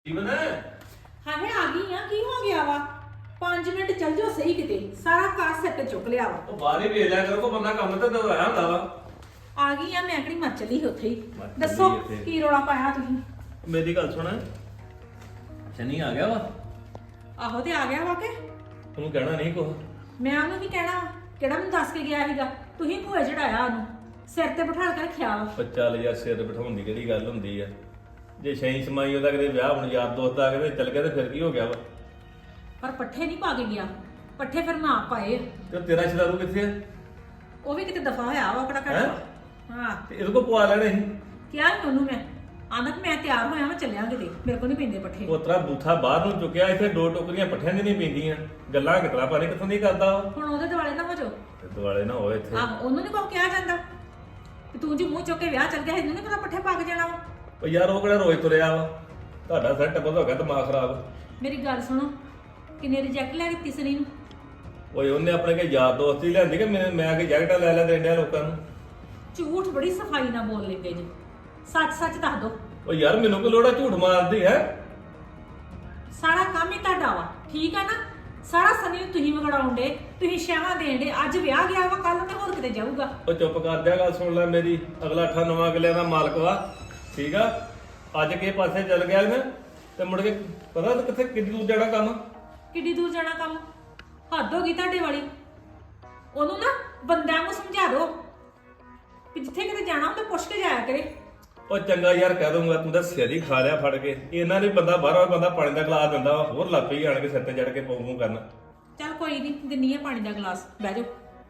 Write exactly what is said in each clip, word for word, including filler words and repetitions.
ਜੀਵਨ ਹਾਂ ਹੈ ਆ ਗਈ ਆ ਕੀ ਹੋ ਗਿਆ ਵਾ ਪੰਜ ਮਿੰਟ ਚੱਲ ਜਾਓ ਸਹੀ ਕਿਤੇ ਸਾਰਾ ਕਾਰ ਸੈੱਟ ਚੁੱਕ ਲਿਆ ਵਾ ਉਹ ਬਾਹਰ ਹੀ ਵੇਖ ਲਿਆ ਕਰੋ ਕੋ ਬੰਦਾ ਕੰਮ ਤੇ ਦਵਾਇਆ ਹੁੰਦਾ ਵਾ। ਆ ਗਈ ਆ ਮੈਂ ਕਿਹੜੀ ਮਰ ਚਲੀ ਸੀ ਉੱਥੇ ਹੀ ਮਰ ਚੱਲੀ ਦੱਸੋ ਇੱਥੇ। ਕੀ ਰੋਲਾ ਪਾਇਆ ਤੁਸੀਂ ਮੇਰੀ ਗੱਲ ਸੁਣ ਸ਼ਨੀ ਆ ਗਿਆ ਵਾ ਆਹੋ ਤੇ ਆ ਗਿਆ ਵਾ ਕਿ ਤੈਨੂੰ ਕਹਿਣਾ ਨਹੀਂ ਕੁਛ। ਮੈਂ ਉਹਨੂੰ ਕੀ ਕਹਿਣਾ ਵਾ? ਕਿਹੜਾ ਮੈਨੂੰ ਦੱਸ ਕੇ ਗਿਆ ਸੀਗਾ ਤੁਸੀਂ ਭੂਏ ਚੜਾਇਆ ਉਹਨੂੰ ਸਿਰ ਤੇ ਬਿਠਾ ਕੇ ਰੱਖਿਆ ਵਾ ਉਹ ਚੱਲ ਯਾਰ ਸਿਰ ਬਿਠਾਉਣ ਦੀ ਕਿਹੜੀ ਗੱਲ ਹੁੰਦੀ ਆ। ਜੇ ਸ਼ੈਂ ਸਮਾਈ ਉਹਦਾ ਕਿਤੇ ਵਿਆਹ ਹੁਣ ਯਾਰ ਦੋਸਤ ਆ ਕੇ ਚੱਲ ਗਿਆ ਤੇ ਫਿਰ ਕੀ ਹੋ ਗਿਆ ਵਾ। ਪਰ ਪੱਠੇ ਨਹੀਂ ਪਾ ਕੇ ਗਿਆ ਪੱਠੇ ਫਿਰ ਮੈਂ ਆਪ ਪਾਏ ਤੇ ਤੇਰਾ ਸ਼ਦਾਰੂ ਕਿੱਥੇ ਆ? ਉਹ ਵੀ ਕਿਤੇ ਦਫਾ ਹੋਇਆ ਵਾ ਕਿਹੜਾ ਹੈਂ? ਘੱਟ ਹਾਂ ਤੇ ਇਹਦੇ ਕੋ ਪਵਾ ਲੈਣੇ ਸੀ। ਕਿਹਾ ਸੀ ਉਹਨੂੰ ਮੈਂ ਆਂਦਾ ਕਿ ਮੈਂ ਤਿਆਰ ਹੋਇਆ ਮੈਂ ਚੱਲਿਆ ਕਿਤੇ ਮੇਰੇ ਕੋਲ ਨਹੀਂ ਪੈਂਦੇ ਪੱਠੇ ਉਤਰਾ ਬੂਥਾ ਬਾਹਰ ਨੂੰ ਚੁੱਕਿਆ ਇੱਥੇ ਦੋ ਟੋਕਰੀਆਂ ਪੱਠਿਆਂ ਦੀ ਨਹੀਂ ਪੈਂਦੀਆਂ ਗੱਲਾਂ ਕਿਤਨਾ ਪਾਰੇ ਕਿੱਥੋਂ ਦੀ ਕਰਦਾ ਉਹ। ਹੁਣ ਉਹਦੇ ਦੁਆਲੇ ਨਾ ਹੋ ਜਾਓ ਤੇ ਦੁਆਲੇ ਨਾ ਹੋਏ ਇੱਥੇ। ਆਹ ਉਹਨੂੰ ਨਹੀਂ ਕੋਈ ਕਿਹਾ ਜਾਂਦਾ ਕਿ ਤੂੰ ਜੀ ਮੂੰਹ ਚੁੱਕ ਕੇ ਵਿਆਹ ਚੱਲ ਗਿਆ ਇਹਨੂੰ ਨਹੀਂ ਪਤਾ ਪੱਠੇ ਪਾ ਕੇ ਜਾਣਾ ਵਾ ਉਹ ਯਾਰ ਉਹ ਕਿਹੜਾ ਰੋਜ਼ ਤੁਰਿਆ ਵਾ। ਤੁਹਾਡਾ ਸਿਰ ਟੱਪਾ ਹੋ ਗਿਆ ਦਿਮਾਗ ਖਰਾਬ। ਮੇਰੀ ਗੱਲ ਸੁਣੋ ਕਿੰਨੇ ਰਿਜੈਕਟ ਲੈ ਕੇ ਤਿਸਰੀ ਨੂੰ ਓਏ ਉਹਨੇ ਆਪਣੇ ਕੇ ਯਾਰ ਦੋਸਤ ਹੀ ਲਿਆਂਦੀ ਕਿ ਮੈਂ ਮੈਂ ਆ ਕੇ ਜੈਕਟਾਂ ਲੈ ਲੈ ਦੇਣ ਡਿਆ ਲੋਕਾਂ ਨੂੰ। ਝੂਠ ਬੜੀ ਸਫਾਈ ਨਾਲ ਬੋਲ ਲੈਂਦੇ ਜੀ ਸੱਚ ਸੱਚ ਦੱਸ ਦੋ ਓ ਯਾਰ ਮੈਨੂੰ ਕੋਈ ਲੋੜਾ ਝੂਠ ਮਾਰਦੀ ਹੈ। ਸਾਰਾ ਕੰਮ ਹੀ ਤੁਹਾਡਾ ਵਾ ਠੀਕ ਆ ਨਾ ਸਾਰਾ ਸਮੇਂ ਤੁਸੀਂ ਵਿਗੜਾਉਂਦੇ ਤੁਸੀਂ ਸ਼ਾਵਾਂ ਦੇਂਦੇ ਅੱਜ ਵਿਆਹ ਗਿਆ ਵਾ ਕੱਲ ਤੇ ਹੋਰ ਕਿਤੇ ਜਾਊਗਾ ਉਹ ਚੁੱਪ ਕਰ ਜਾ ਗੱਲ ਸੁਣ ਲੈ ਮੇਰੀ। ਅਗਲਾ ਅੱਠਾਂ ਨਵਾਂ ਕਿਲਿਆਂ ਦਾ ਮਾਲਕ ਵਾ ਠੀਕ ਆ। ਅੱਜ ਕੇ ਪਾਸੇ ਚੱਲ ਗਿਆ ਨਾ ਤੇ ਮੁੜ ਕੇ ਪਤਾ ਤੇ ਕਿੱਥੇ ਕਿੱਡੀ ਦੂਰ ਜਾਣਾ ਕੰਮ। ਕਿੱਡੀ ਦੂਰ ਜਾਣਾ ਕੰਮ ਹੱਦ ਹੋ ਗਈ ਤੁਹਾਡੇ ਵਾਲੀ ਉਹਨੂੰ ਨਾ ਬੰਦਿਆਂ ਨੂੰ ਸਮਝਾ ਦਿਓ ਕਿ ਜਿੱਥੇ ਕਿਤੇ ਜਾਣਾ ਹੁੰਦਾ ਪੁੱਛ ਕੇ ਜਾਇਆ ਕਰੇ ਉਹ ਚੰਗਾ ਯਾਰ ਕਹਿ ਦੂੰਗਾ ਤੂੰ ਤਾਂ ਸਿਰ ਹੀ ਖਾ ਲਿਆ ਫੜ ਕੇ। ਇਹਨਾਂ ਨੇ ਬੰਦਾ ਬਾਹਰੋਂ ਬੰਦਾ ਪਾਣੀ ਦਾ ਗਲਾਸ ਦਿੰਦਾ ਵਾ ਹੋਰ ਲੱਗ ਪਈ ਆਣ ਕੇ ਸਿਰ ਤੇ ਚੜ ਕੇ ਪੌਂ ਪੌਂ ਕਰਨ। ਚੱਲ ਕੋਈ ਨਹੀਂ ਦਿੰਨੀ ਆ ਪਾਣੀ ਦਾ ਗਲਾਸ ਬਹਿ ਜਾਓ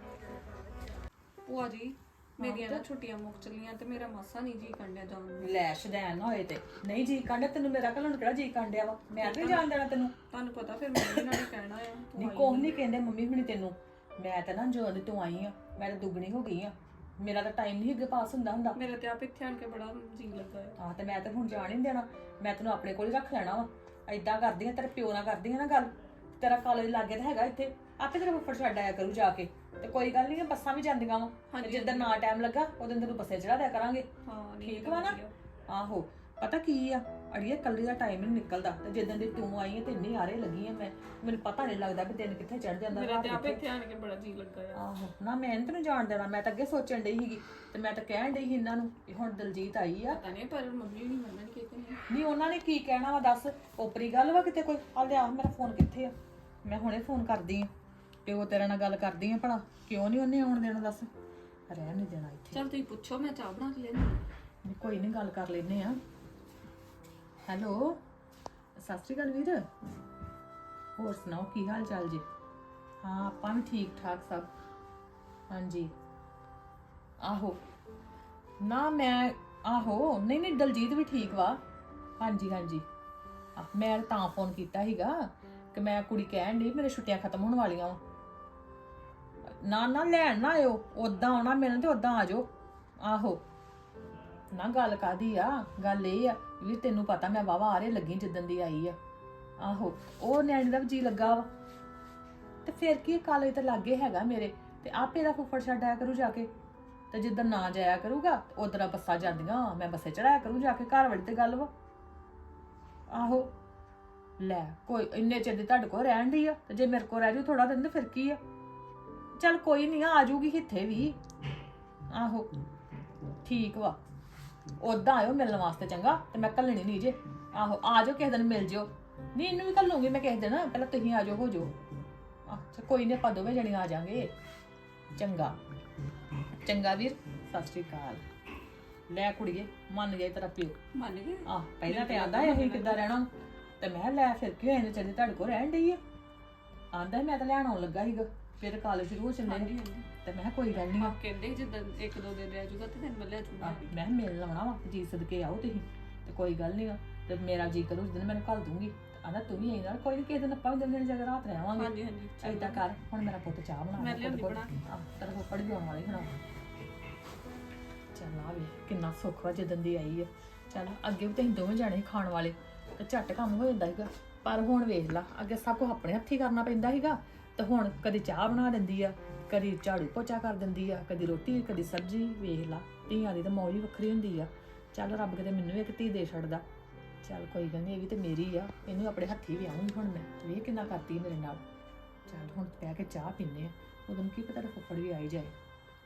ਭੂਆ ਜੀ ਮੇਰੀਆਂ ਨਾ ਛੁੱਟੀਆਂ ਮੁੱਕ ਚਲੀਆਂ ਤੇ ਮੇਰਾ ਮਾਸਾ ਨਹੀਂ ਜੀ ਕੰਡਿਆ ਜਾਣ ਨੂੰ। ਲੈ ਸ਼ਦੈਨ ਨਾ ਹੋਏ ਤੇ ਨਹੀਂ ਜੀ ਕਾਂਡਿਆ ਤੈਨੂੰ ਮੇਰਾ ਘਲਣ ਕਿਹੜਾ ਜੀ ਕਾਂਡਿਆ ਵਾ ਮੈਂ ਤੇ ਜਾਣ ਦੇਣਾ ਤੈਨੂੰ ਤੁਹਾਨੂੰ ਪਤਾ ਫਿਰ ਮੰਮੀ ਨਾਲ ਹੀ ਕਹਿਣਾ ਆ ਤੂੰ ਨਹੀਂ ਆਈ ਕੋਹ ਨਹੀਂ ਕਹਿੰਦੇ ਮੰਮੀ ਹੁਣੀ ਤੈਨੂੰ ਮੈਂ ਤਾਂ ਨਾ ਜਦੋਂ ਦੀ ਤੂੰ ਆਈ ਆ ਮੈਂ ਤਾਂ ਦੁੱਗਣੀ ਹੋ ਗਈ ਆ ਮੇਰਾ ਤਾਂ ਟਾਈਮ ਨਹੀਂ ਅੱਗੇ ਪਾਸ ਹੁੰਦਾ ਹੁੰਦਾ ਮੇਰੇ ਤੇ ਆਪ ਇੱਥੇ ਆਣ ਕੇ ਬੜਾ ਜੀ ਲੱਗਾ ਆ। ਆਹ ਤੇ ਮੈਂ ਤਾਂ ਹੁਣ ਜਾਣ ਹੀ ਨੀ ਦੇਣਾ ਮੈਂ ਤੈਨੂੰ ਆਪਣੇ ਕੋਲ ਹੀ ਰੱਖ ਲੈਣਾ ਵਾ ਐਦਾਂ ਕਰਦੀ ਆ ਤੇਰੇ ਪਿਓ ਨਾਲ ਕਰਦੀ ਆ ਨਾ ਗੱਲ ਤੇਰਾ ਕਾਲਜ ਲਾਗੇ ਤਾਂ ਹੈਗਾ ਇੱਥੇ ਆਪੇ ਤੇਰਾ ਫੁੱਫੜ ਛੱਡ ਆਇਆ ਕਰੂ ਜਾ ਕੇ ਤੇ ਕੋਈ ਗੱਲ ਨਹੀਂ ਬੱਸਾਂ ਵੀ ਜਾਂਦੀਆਂ ਵਾ ਹਾਂਜੀ, ਜਿੱਦਾਂ ਨਾ ਟਾਈਮ ਲੱਗਾ ਉਦੋਂ ਤੈਨੂੰ ਬੱਸੇ ਚੜਾ ਦਿਆ ਕਰਾਂਗੇ ਹਾਂ ਨਹੀਂ ਠੀਕ ਵਾ ਨਾ ਆਹੋ ਪਤਾ ਕੀ ਆ ਅੜੀਏ ਕੱਲੀ ਦਾ ਟਾਈਮ ਨਹੀਂ ਨਿਕਲਦਾ ਤੇ ਜਦੋਂ ਦੀ ਤੂੰ ਆਈ ਆ ਤੇ ਇੰਨੀ ਆਰੇ ਲੱਗੀ ਆ ਮੈਂ ਮੈਨੂੰ ਪਤਾ ਨਹੀਂ ਲੱਗਦਾ ਵੀ ਦਿਨ ਕਿੱਥੇ ਚੜ ਜਾਂਦਾ ਮੇਰੇ ਰਾਤ ਤੇ ਆਪ ਕਿੱਥੇ। ਇੱਥੇ ਆਣ ਕੇ ਬੜਾ ਜੀ ਲੱਗਾ ਆ। ਆਹੋ ਨਾ ਮੈਂ ਨੀ ਤੈਨੂੰ ਜਾਣ ਦੇਣਾ ਮੈਂ ਤਾਂ ਅੱਗੇ ਸੋਚਣ ਡਈ ਸੀਗੀ ਤੇ ਮੈਂ ਤਾਂ ਕਹਿਣ ਡਈ ਸੀ ਇਹਨਾਂ ਨੂੰ ਵੀ ਹੁਣ ਦਲਜੀਤ ਆਈ ਆ ਪਤਾ ਨਹੀਂ ਪਰ ਮੰਮੀ ਨਹੀਂ ਮੰਨਣਗੇ ਕਿ ਨਹੀਂ। ਨਹੀਂ ਉਹਨਾਂ ਨੇ ਕੀ ਕਹਿਣਾ ਵਾ ਦੱਸ ਓਪਰੀ ਗੱਲ ਵਾ ਕਿਤੇ ਕੋਈ ਆ ਲਿਆ ਮੇਰਾ ਫੋਨ ਕਿੱਥੇ ਆ ਮੈਂ ਹੁਣੇ ਫੋਨ ਕਰਦੀ ਆ ਪਿਓ ਤੇਰੇ ਨਾਲ ਗੱਲ ਕਰਦੀ ਆ ਭਲਾ ਕਿਉਂ ਨਹੀਂ ਉਹਨੇ ਆਉਣ ਦੇਣਾ ਦੱਸ ਰਹਿਣ ਨਹੀਂ ਦੇਣਾ ਇੱਥੇ ਚੱਲ ਤੁਸੀਂ ਪੁੱਛੋ ਮੈਂ ਚਾਹ ਬਣਾ ਕੇ ਲੈਣੀ। ਵੀ ਕੋਈ ਨਹੀਂ ਗੱਲ ਕਰ ਲੈਨੇ ਆ ਹੈਲੋ ਸਤਿ ਸ਼੍ਰੀ ਅਕਾਲ ਵੀਰ ਹੋਰ ਸੁਣਾਓ ਕੀ ਹਾਲ ਚਾਲ ਜੀ ਹਾਂ ਆਪਾਂ ਵੀ ਠੀਕ ਠਾਕ ਸਭ ਹਾਂਜੀ ਆਹੋ ਨਾ ਮੈਂ ਆਹੋ ਨਹੀਂ ਨਹੀਂ ਦਲਜੀਤ ਵੀ ਠੀਕ ਵਾ ਹਾਂਜੀ ਹਾਂਜੀ ਆ, ਮੈਂ ਤਾਂ ਫੋਨ ਕੀਤਾ ਸੀਗਾ ਕਿ ਮੈਂ ਕੁੜੀ ਕਹਿਣ ਡਈ ਮੇਰੇ ਛੁੱਟੀਆਂ ਖਤਮ ਹੋਣ ਵਾਲੀਆਂ ਵਾ ਨਾ ਨਾ ਲੈਣ ਨਾ ਆਇਓ ਉਦਾਂ ਆਉਣਾ ਮੈਨੂੰ ਤੇ ਉਦਾਂ ਆ ਜਾਓ ਆਹੋ ਨਾ ਗੱਲ ਕਾਦੀ ਆ ਗੱਲ ਇਹ ਆ ਵੀ ਤੈਨੂੰ ਪਤਾ ਮੈਂ ਵਾਵਾ ਆਰੇ ਲੱਗੀ ਜਿੱਦਣ ਦੀ ਆਈ ਆ ਆਹੋ ਉਹ ਨਿਆਣੇ ਦਾ ਵੀ ਜੀ ਲੱਗਾ ਵਾ ਤੇ ਫਿਰ ਕੀ ਕਾਲਜ ਤੇ ਲਾਗੇ ਹੈਗਾ ਮੇਰੇ ਤੇ ਆਪੇ ਦਾ ਫੁੱਫੜ ਛੱਡ ਆਇਆ ਕਰੂ ਜਾ ਕੇ ਤੇ ਜਿੱਦਣ ਨਾ ਜਾਇਆ ਕਰੂਗਾ ਉਧਰ ਬੱਸਾਂ ਜਾਂਦੀਆਂ ਮੈਂ ਬੱਸੇ ਚੜਾਇਆ ਕਰੂ ਜਾ ਕੇ ਘਰ ਵਾਲੀ ਤੇ ਗੱਲ ਵਾ ਆਹੋ ਲੈ ਕੋਈ ਇੰਨੇ ਚਿਰ ਦੀ ਤੁਹਾਡੇ ਕੋਲ ਰਹਿਣ ਦੀ ਆ ਤੇ ਜੇ ਮੇਰੇ ਕੋਲ ਰਹਿ ਜੂ ਥੋੜਾ ਦਿਨ ਤੇ ਫਿਰ ਕੀ ਆ ਚੱਲ ਕੋਈ ਨਹੀਂ ਆ ਜੂਗੀ ਇੱਥੇ ਵੀ ਆਹੋ ਠੀਕ ਵਾ ਉਦਾਂ ਆਇਓ ਮਿਲਣ ਵਾਸਤੇ ਚੰਗਾ ਤੇ ਮੈਂ ਘੱਲਣੀ ਨਹੀਂ ਜੇ ਆਹੋ ਆ ਜਾਓ ਕਿਸੇ ਦਿਨ ਮਿਲ ਜਿਓ ਨਹੀਂ ਇਹਨੂੰ ਵੀ ਘੱਲੂਗੀ ਮੈਂ ਕਿਸੇ ਦਿਨ ਪਹਿਲਾਂ ਤੁਸੀਂ ਆ ਜਾਓ ਹੋ ਜਾਓ ਅੱਛਾ ਕੋਈ ਨਹੀਂ ਆਪਾਂ ਦੋਵੇਂ ਜਣੇ ਆ ਜਾਾਂਗੇ ਚੰਗਾ ਚੰਗਾ ਵੀਰ ਸਤਿ ਸ਼੍ਰੀ ਅਕਾਲ ਲੈ ਕੁੜੀਏ ਮੰਨ ਗਿਆ ਤੇਰਾ ਪਿਓ ਮੰਨ ਗਏ ਆਹ ਪਹਿਲਾਂ ਤੇ ਆਂਦਾ ਇਹ ਕਿੱਦਾਂ ਰਹਿਣਾ ਤੇ ਮੈਂ ਲੈ ਫਿਰ ਕਿਉਂ ਇਹਨੇ ਚੱਲੇ ਤੁਹਾਡੇ ਕੋਲ ਰਹਿਣ ਡਈ ਆ ਆਂਦਾ ਮੈਂ ਤਾਂ ਲੈਣ ਆਉਣ ਲੱਗਾ ਸੀਗਾ ਫਿਰ ਕਾਲਜ ਸ਼ੁਰੂ ਹੋ ਚੱਲੇ ਨੇ ਤੇ ਮੈਂ ਕੋਈ ਗੱਲ ਨਹੀਂ ਆਪ ਕਹਿੰਦੇ ਜਿੱਦਾਂ ਇੱਕ ਦੋ ਦਿਨ ਰਹਿ ਜਾਊਗਾ ਤੇ ਤੈਨੂੰ ਮੈਂ ਲੈ ਜਾਊਗਾ ਮੈਂ ਮਿਲ ਲਵਣਾ ਵਾ ਜੀ ਸਦਕੇ ਆਓ ਤੁਸੀਂ ਤੇ ਕੋਈ ਗੱਲ ਨਹੀਂ ਤੇ ਮੇਰਾ ਜੀ ਕਰੂ ਜਦੋਂ ਮੈਨੂੰ ਘੱਲ ਦੂੰਗੀ ਆਂਦਾ ਤੂੰ ਵੀ ਆਈ ਨਾਲ ਕੋਈ ਨਹੀਂ ਕਿਸੇ ਦਿਨ ਆਪਾਂ ਵੀ ਦਿਨ ਦਿਨ ਜਗ੍ਹਾ ਰਾਤ ਰਹਿਵਾਂਗੇ ਹਾਂਜੀ ਹਾਂਜੀ ਏਦਾਂ ਕਰ ਹੁਣ ਮੇਰਾ ਪੁੱਤ ਚਾਹ ਬਣਾ ਮੈਂ ਲਿਆਉਂਦੀ ਬਣਾ ਕੇ। ਤੇਰਾ ਫੁੱਫੜ ਵੀ ਆਉਣ ਵਾਲੀ ਹੁਣ ਚੱਲ ਆ ਵੀ ਕਿੰਨਾ ਸੁੱਖ ਵਾ ਜਦੋਂ ਦੀ ਆਈ ਆ ਚੱਲ ਅੱਗੇ ਵੀ ਤੁਸੀਂ ਦੋਵੇਂ ਜਾਣੇ ਖਾਣ ਵਾਲੇ ਤੇ ਝੱਟ ਕੰਮ ਹੋ ਜਾਂਦਾ ਸੀਗਾ ਪਰ ਹੁਣ ਵੇਖ ਲਾ ਅੱਗੇ ਸਭ ਕੁਝ ਆਪਣੇ ਹੱਥੀਂ ਕਰਨਾ ਪੈਂਦਾ ਸੀਗਾ ਤੇ ਹੁਣ ਕਦੀ ਚਾਹ ਬਣਾ ਦਿੰਦੀ ਆ ਕਦੀ ਝਾੜੂ ਪੋਚਾ ਕਰ ਦਿੰਦੀ ਆ ਕਦੀ ਰੋਟੀ ਕਦੀ ਸਬਜ਼ੀ ਵੇਖ ਲਾ ਧੀਆਂ ਦੀ ਤਾਂ ਮੌਜ ਹੀ ਵੱਖਰੀ ਹੁੰਦੀ ਆ ਚੱਲ ਰੱਬ ਕਿਤੇ ਮੈਨੂੰ ਵੀ ਇੱਕ ਧੀ ਦੇ ਛੱਡਦਾ ਚੱਲ ਕੋਈ ਗੱਲ ਨਹੀਂ, ਇਹ ਵੀ ਤੇ ਮੇਰੀ ਆ, ਇਹਨੂੰ ਆਪਣੇ ਹੱਥੀ ਵਿਆਹੂੰਗੀ ਹੁਣ ਮੈਂ। ਵੇਖ ਕਿੰਨਾ ਕਰਦੀ ਮੇਰੇ ਨਾਲ। ਚੱਲ ਹੁਣ ਬਹਿ ਕੇ ਚਾਹ ਪੀਨੇ ਆ, ਉਦੋਂ ਕੀ ਪਤਾ ਫੁੱਫੜ ਵੀ ਆਈ ਜਾਏ।